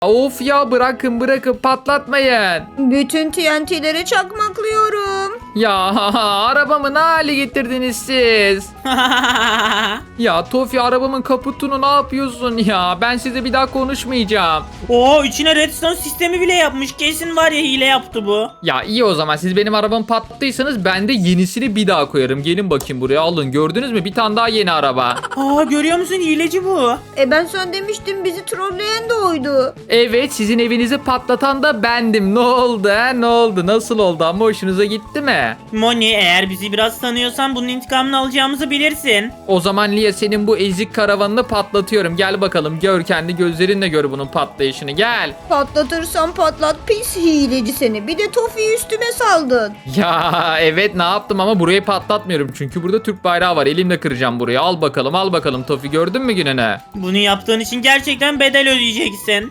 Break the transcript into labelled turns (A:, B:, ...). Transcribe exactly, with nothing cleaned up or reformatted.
A: Of ya, bırakın bırakın, patlatmayın.
B: Bütün T N T'leri çakmaklıyorum.
A: Ya arabamı ne hale getirdiniz siz? Ya Tofi, arabamın kaputunu ne yapıyorsun ya? Ben size bir daha konuşmayacağım.
C: Oo, içine redstone sistemi bile yapmış. Kesin var ya, hile yaptı bu.
A: Ya iyi, o zaman siz benim arabamı patlattıysanız ben de yenisini bir daha koyarım. Gelin bakayım buraya, alın. Gördünüz mü? Bir tane daha yeni araba.
C: Aa, görüyor musun, hileci bu.
B: E ben sana demiştim, bizi trolleyen de oydu.
A: Evet, sizin evinizi patlatan da bendim. Ne oldu ha? Ne oldu? Nasıl oldu ama, hoşunuza gitti mi?
C: Moni, eğer bizi biraz tanıyorsan bunun intikamını alacağımızı bilirsin.
A: O zaman Lia, senin bu ezik karavanını patlatıyorum. Gel bakalım, gör, kendi gözlerinle gör bunun patlayışını, gel.
B: Patlatırsan patlat, pis hileci seni. Bir de Tofi'yi üstüme saldın.
A: Ya evet, ne yaptım ama burayı patlatmıyorum. Çünkü burada Türk bayrağı var. Elimle kıracağım burayı. Al bakalım, al bakalım Tofi, gördün mü gününü?
C: Bunu yaptığın için gerçekten bedel ödeyeceksin.